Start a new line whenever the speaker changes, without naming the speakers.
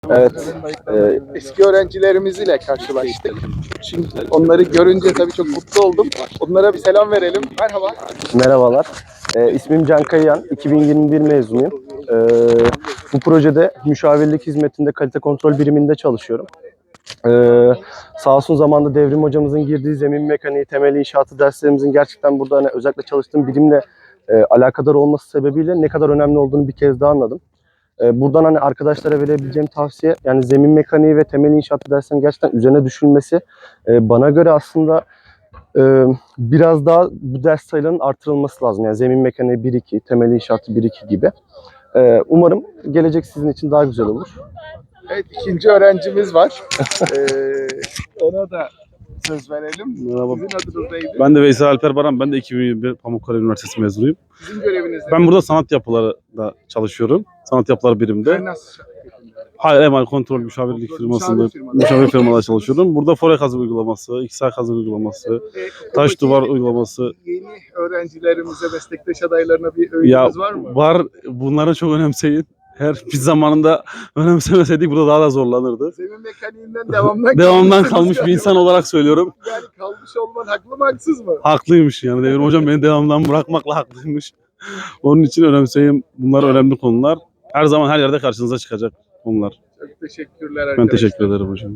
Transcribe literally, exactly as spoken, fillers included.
Evet, e, eski öğrencilerimiz ile karşılaştık. Şimdi onları görünce tabii çok mutlu oldum. Onlara bir selam verelim. Merhaba.
Merhabalar, e, ismim Can Kayıyan, iki bin yirmi bir mezunuyum. E, bu projede müşavirlik hizmetinde kalite kontrol biriminde çalışıyorum. E, sağ olsun zamanda Devrim hocamızın girdiği zemin mekaniği, temel inşaatı derslerimizin gerçekten burada hani özellikle çalıştığım birimle e, alakadar olması sebebiyle ne kadar önemli olduğunu bir kez daha anladım. E, buradan hani arkadaşlara verebileceğim tavsiye, yani zemin mekaniği ve temel inşaatı derslerinin gerçekten üzerine düşülmesi. E, bana göre aslında Ee, biraz daha bu ders sayılarının artırılması lazım. Yani zemin mekaniği bir iki, temel inşaatı bir iki gibi. Ee, umarım gelecek sizin için daha güzel olur.
Evet, ikinci öğrencimiz var. Ee, ona da söz verelim.
Merhaba.
Sizin adınız neydi?
Ben de Veysel Alper Baran, ben de iki bin yirmi bir Pamukkale Üniversitesi mezunuyum.
Sizin göreviniz ne?
Ben burada sanat yapılarında çalışıyorum. Sanat yapıları biriminde.
Finans.
Hayır, Emal Kontrol Müşavirlik
Kontrol,
firmasında
müşavir firmada.
müşavir firmada çalışıyorum. Burada fore kazı uygulaması, iksar kazı uygulaması,
Ee,
taş
oradaki
duvar uygulaması.
Yeni öğrencilerimize, meslektaş adaylarına bir
Ya
öğütünüz var mı?
var, bunları çok önemseyin. Her biz zamanında önemsemeseydik burada daha da zorlanırdı.
Zemin mekaniğinden devamdan,
Devamdan
kalmışsınız
kalmış bir
galiba.
insan olarak söylüyorum.
Yani kalmış olman haklı mı haksız mı?
Haklıymış yani. Devrim hocam beni devamdan bırakmakla haklıymış. Onun için önemseyin. Bunlar önemli konular. Her zaman her yerde karşınıza çıkacak konular.
Çok teşekkürler
Ben
arkadaşlar.
teşekkür ederim hocam.